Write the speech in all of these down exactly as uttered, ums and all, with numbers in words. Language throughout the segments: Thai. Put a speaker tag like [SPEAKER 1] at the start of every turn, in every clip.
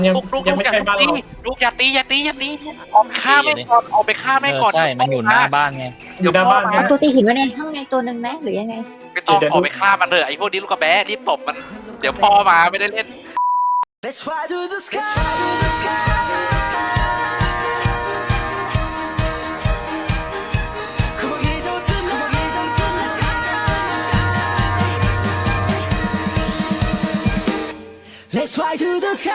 [SPEAKER 1] ยัง
[SPEAKER 2] ลูกลูก
[SPEAKER 1] ยัง
[SPEAKER 2] ลูก
[SPEAKER 1] ไม่
[SPEAKER 2] อย่า
[SPEAKER 1] ใช่บ้าน
[SPEAKER 2] ตี
[SPEAKER 1] เรา
[SPEAKER 2] ลูกอย่าตีอย่าตีอย่าตีออกไปฆ่าไม่ก่อนออกไปฆ่าไม่
[SPEAKER 3] เออ
[SPEAKER 2] ก่อน
[SPEAKER 3] ใช่มันอยู่หน้าบ้านไง
[SPEAKER 1] อยู่หน้าบ้าน
[SPEAKER 2] เดี๋
[SPEAKER 1] ไง
[SPEAKER 2] ยวพ่อ
[SPEAKER 4] เอาตัวตีหินไว้ในข้างในตัวหนึ่งนะหรือยังไง
[SPEAKER 2] ไม่ต้อง
[SPEAKER 1] เดี๋ยว
[SPEAKER 2] ออกไปฆ่ามันเลยไอ้พวกนี้ลูกกระแบะรีบตบมัน เดี๋ยวพ่อมาไม่ได้เล่น
[SPEAKER 5] Let's fly to the sky. Come on, get down to the sky. Let's fly to the sky.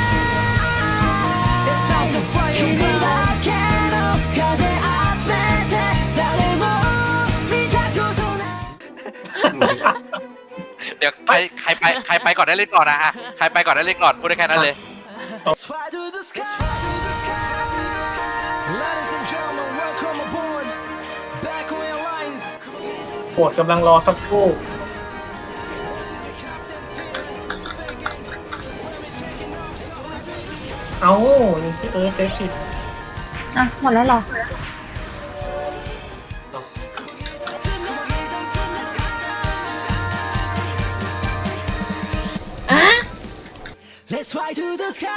[SPEAKER 5] Let's fly to fly away. 君だけの風集めて誰も見たことない
[SPEAKER 2] เดี๋ยวใครใครไปใครไปก่อนได้เล่นก่อนนะฮะใครไปก่อนได้เล่นก่อนพูดได้แค่นั้นเลย
[SPEAKER 5] Let's fly to the sky. Ladies and gentlemen, welcome aboard. Backway Alliance.
[SPEAKER 1] โปรดกำลังรอสักครู่เอานี่เออเซฟผิด
[SPEAKER 4] อ่ะหมดแล้วเหรอ
[SPEAKER 5] Let's fly to the sky.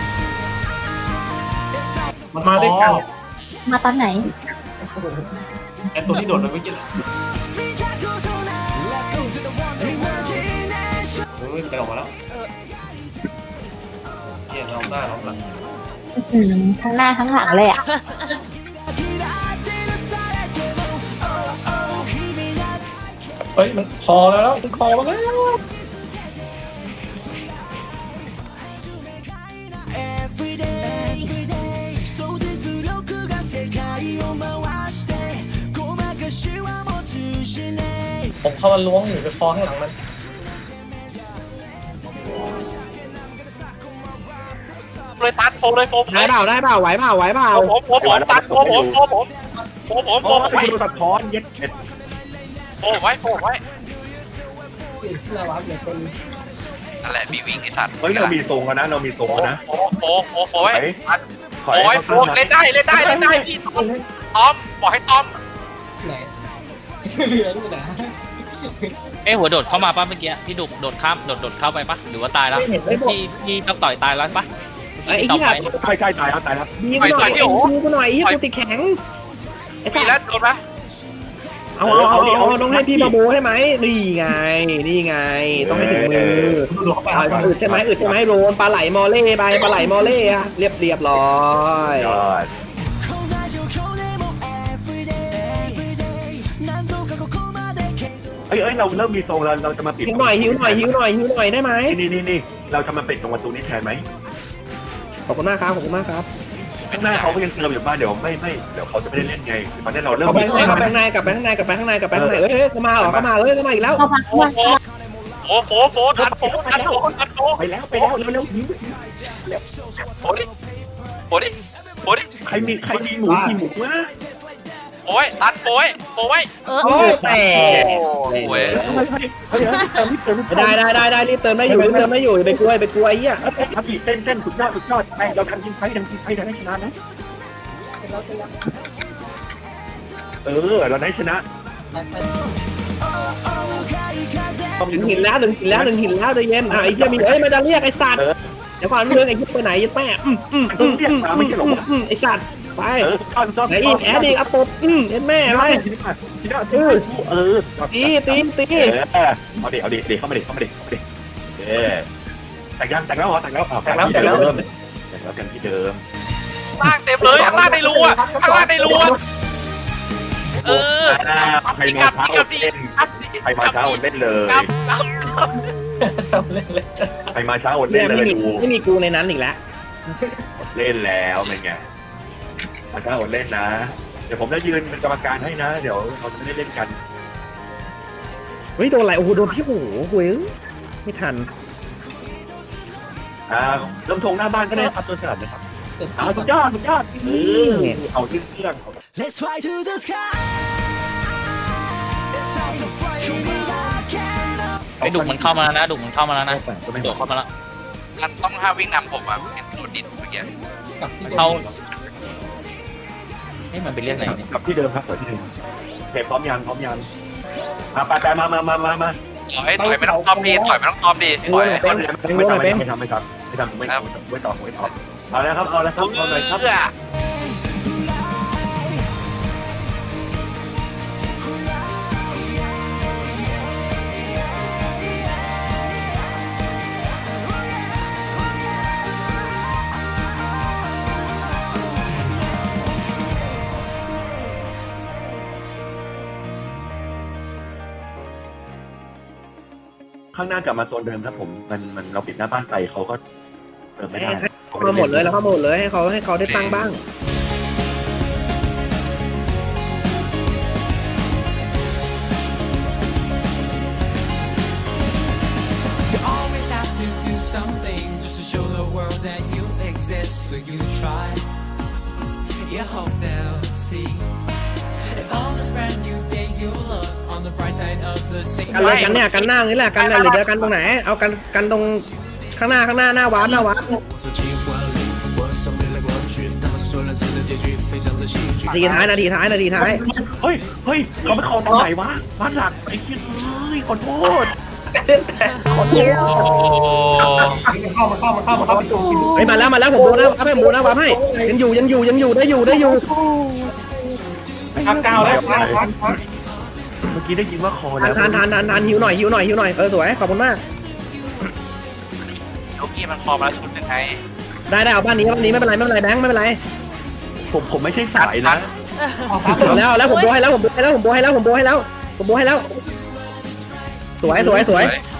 [SPEAKER 1] มันมาด้วยกัน
[SPEAKER 4] มาตอนไหน
[SPEAKER 1] ไอ้ตัวที่โดดไปเมื่อกี้แหละ
[SPEAKER 5] Let's go to the wonder imagination.
[SPEAKER 1] เฮ้ยไปออกมาแล้วเกี่ยเราหน้าเราหลัง
[SPEAKER 4] อืมทั้งหน้าทั้งหลังเลยอ่ะ
[SPEAKER 1] เฮ้ยมันคอแล้วมันคอมาแล้ว
[SPEAKER 5] Every day, every day. 想像力が世界を回してごまかしはもう通じない。
[SPEAKER 1] ผมเข้ามาล้วงอยู่ไปคอข้างหลังมัน
[SPEAKER 2] เลยตัดโฟเลยโฟผม
[SPEAKER 6] ได้เปล่าได้เปล่าไหวเปล่าไหวเปล่า
[SPEAKER 2] ผมผมผมตัดโฟผมโฟผมโฟผมโฟผมไว้
[SPEAKER 6] ดูตัดท้อนเย็ดเอ็ด
[SPEAKER 2] โฟไว้โฟไว้นั่นแหละมีวิ่งไอ้สัตว์
[SPEAKER 6] เฮ้ยเรามีทรงกันนะเรามีทรงกันนะ
[SPEAKER 2] โฟโฟโฟโฟไว้ตัด
[SPEAKER 6] ถอย
[SPEAKER 2] โอ้ย
[SPEAKER 6] เข้า
[SPEAKER 2] โฟ
[SPEAKER 6] ข้าง
[SPEAKER 2] เล่นได้เล่นได้เล่นได้พี่ต้อมบอกให้ต้อม
[SPEAKER 3] เอ้หัวโดดเข้ามาป่ะเมื่อกี้พี่ดุกโดดข้ามโดดโดดเข้าไปป่ะหรือว่าตายแล้วพี่พี่ต้องต่อยตายแล้วป่ะ
[SPEAKER 6] ไอ้ที่ใช่ใช่ตายแล้วตายแล้ว
[SPEAKER 5] ดีกูหน่อยเอ็นดูกูหน่อยที่กูติดแข็ง
[SPEAKER 2] มีแล้วโดนไหม
[SPEAKER 5] เอาเอาเอาเอาต้องให้พี่มาโบใช่ไหมนี่ไงนี่ไงต้องให้ถึงมือ
[SPEAKER 1] โดดเข้าไป
[SPEAKER 5] เอาอึดใช่ไหมอึดใช่ไหมโรนปลาไหลมอเล่ไปปลาไหลมอเล่อะเรียบเรียบร้อย
[SPEAKER 6] ยอดเอ้ยเอ้ยเราเริ่มมีทรงแล้วเราจะมาปิด
[SPEAKER 5] หิวหน่อยหิวหน่อยหิวหน่อยหิวหน่อยได้ไหม
[SPEAKER 6] นี่นี่นี่เราจะมาปิดตรงประตูนี้แทนไหม
[SPEAKER 5] ขอบคุณมากครับขอบคุณมากครับ
[SPEAKER 6] ข้างหน้าเขาก็ยังเติมอยู่บ้านเดี๋ยวไม่ไม่เดี๋ยวเขาจะไม่ได้เล่นไงตอนนี้เราเริ่ม
[SPEAKER 5] เข้าไปข้างในเข้าไปข้างในกลับไปข้างในกลับไปข้างในกลับไปข้างในเอ้ยเอ้ยเข้ามาเหรอเข้ามาเอ้ยเข้ามาอีกแล้ว
[SPEAKER 4] เข้ามาเข้ามา
[SPEAKER 2] โฟโฟโฟตัดโฟตัดโฟตัดโฟ
[SPEAKER 6] ไปแล้วไปแล้วเร็วเร็วหิว
[SPEAKER 2] โฟดิโฟดิโฟดิ
[SPEAKER 6] ใครมีใครมีหมูมีหมูวะ
[SPEAKER 2] โอ้ยตัดโอ้ยโอ้ย
[SPEAKER 5] โอ้ยแต่
[SPEAKER 2] โอ้ย
[SPEAKER 6] เฮ้ยเติมเติม
[SPEAKER 5] ได้ได้ได้ได้รีบเติมได้อยู่รีบเติมได้อยู่อย่าไปกลัวอย่าไปกลัวไอ้เหี้ย
[SPEAKER 6] ทับปีเต้นเต้นสุดยอดสุดยอดไปเราทำกินไฟทำกินไฟเราได้ชนะนะเออเราได้ชนะ
[SPEAKER 5] ถึงหินแล้วถึงหินแล้วถึงหินแล้วใจเย็นอ่ะไอ้เหี้ยมีเอ้ยมันจะเรียกไอ้สัตว์เดี๋ยวก่อนเรื่องไอ้เหี้ยไปไหนยัดแม่อืมอืมอืมอืมอืมไอ้สัตว์ไป
[SPEAKER 6] เออก้อนก้อน
[SPEAKER 5] ไหนอีกแอดอีกอ่ะปบอืมเอ็นแม่ไป
[SPEAKER 6] เออเออ
[SPEAKER 5] ตีตีตี
[SPEAKER 6] เอาดิเอาดิเดี๋ยวเข้ามาดิเข้ามาดิเข้ามาดิเออแต่งยังแต่งแล้วเหรอแต่งแล้วแต่งแล้วแต่งแล้วแต่งแล้วกันที่เดิม
[SPEAKER 2] ล่างเต็มเลยข้างล่างในรูอ่ะข้างล่างในรูอ่ะเออ
[SPEAKER 6] ใครมาเช้าเล่นใครมาเช้าเล่นเลย
[SPEAKER 1] เล่นเลย
[SPEAKER 6] ใครมาเช้า
[SPEAKER 5] เนี่
[SPEAKER 6] เล่
[SPEAKER 5] ย
[SPEAKER 6] นเล
[SPEAKER 5] ไม่
[SPEAKER 6] ย
[SPEAKER 5] มี
[SPEAKER 6] ดู
[SPEAKER 5] ไม่มีกูในนั้นอีกแล้ว
[SPEAKER 6] เล่นแล้วเป็นไงมาเช้าเล่นนะเดี๋ยวผมจะยืนเป็นกรรมการให้นะ เดี๋ยวเราจะไม่ได้เล่นกัน
[SPEAKER 5] เฮ้ยโดนอะไรโอ้โหโดนพี่โอ้โหเว้ยไม่ทัน
[SPEAKER 6] อ่าลำธงหน้าบ้านก็ได้ครับตัวสลัดนะครับเอาสุดยอดสุดยอดเออเอาที่เครื่อง
[SPEAKER 5] Let's fly to the sky
[SPEAKER 3] ไอ้ดุกมันเข้ามาแล้วนะดุกมันเข้ามาแล้วนะโดดเข้ามาแล้ว
[SPEAKER 2] มันต้องห้าวิ่งนำผมอ่ะเห็นโดดดินเมื่อกี้
[SPEAKER 3] เข้าเฮ้ยมันไปเรียกไหนเนี่ย
[SPEAKER 6] กลับที่เดิมครับเปิดที่เดิมเทปพร้อมยังพร้อมยังมาไปไปมามามามามา
[SPEAKER 2] ถอยถอยไม่ต้องตอมดีถอยไม่ต้องตอมดีถอย
[SPEAKER 6] ไม่ทำไม่ทำไม่ทำไม่ทไม่ทำไม่ไม่ตอบไม่ตอบเอาแล้วครับเอาแล้วครับเอาเลยครับ
[SPEAKER 2] เพื่อ
[SPEAKER 6] ข้างหน้ากลับมาโซนเดิมครับผมมันมันเราปิดหน้าบ้านไปเขาก็เติมไม่ได้
[SPEAKER 5] เข้ามาหมดเลยแล้วเข้ามาหมดเลยให้เขาให้เขาได้ตั้งบ้าง
[SPEAKER 7] You always have to do something just to show the world that you exist. So you try. You hope they'll see. If on this brand new day you look on the bright side of the sea.
[SPEAKER 5] กันเลยกันเนี่ยกันหน้านี่แหละกันเนี่ยหรือจะกันตรงไหนเอากันกันตรงข้างหน้าข้างหน้าหน้าวาร์ปหน้าวาร์ปนาทีท้ายนาทีท้ายนาทีท้าย
[SPEAKER 6] เฮ้ยเฮ้ยเขาไม่คอตอนไหนวะบ้านหลักไอ้เหี้ยเฮ้ยขอโทษ
[SPEAKER 2] โอ้
[SPEAKER 1] เข้ามาเข้ามาเข้ามาเข้ามาดู
[SPEAKER 5] เฮ้ยมาแล้วมาแล้วผมโบนะวาร์ปให้ผมโบนะวาร์ปให้ยังอยู่ยังอยู่ยังอยู่ได้อยู่ได้อยู่
[SPEAKER 1] พักเก้าแล้วพักพักพัก
[SPEAKER 6] เมื่อกี้ได้ยินว่าคอ
[SPEAKER 5] ทา
[SPEAKER 6] แล้
[SPEAKER 5] น
[SPEAKER 6] ว
[SPEAKER 5] ทานทานทานทานหิวหน่อยหิวหน่อยหิวหน่อยเออสวยขอบคุณมาก
[SPEAKER 2] ลูกพี่มันคอมาชุดหนึ่งไง
[SPEAKER 5] ได้ได้เอาบ้านนี้บ้านนี้ไม่เป็นไรไม่เป็นไรแบงค์ไม่เป็นไร
[SPEAKER 6] ผมผมไม่ใช่สายนะ
[SPEAKER 5] เอาแล้วเอาแล้วผมโบให้แล้วผมโบให้แล้วผมโบให้แล้วผมโบให้แล้วผมโบให้แล้วสวยสวยสวย
[SPEAKER 2] เฮ้ย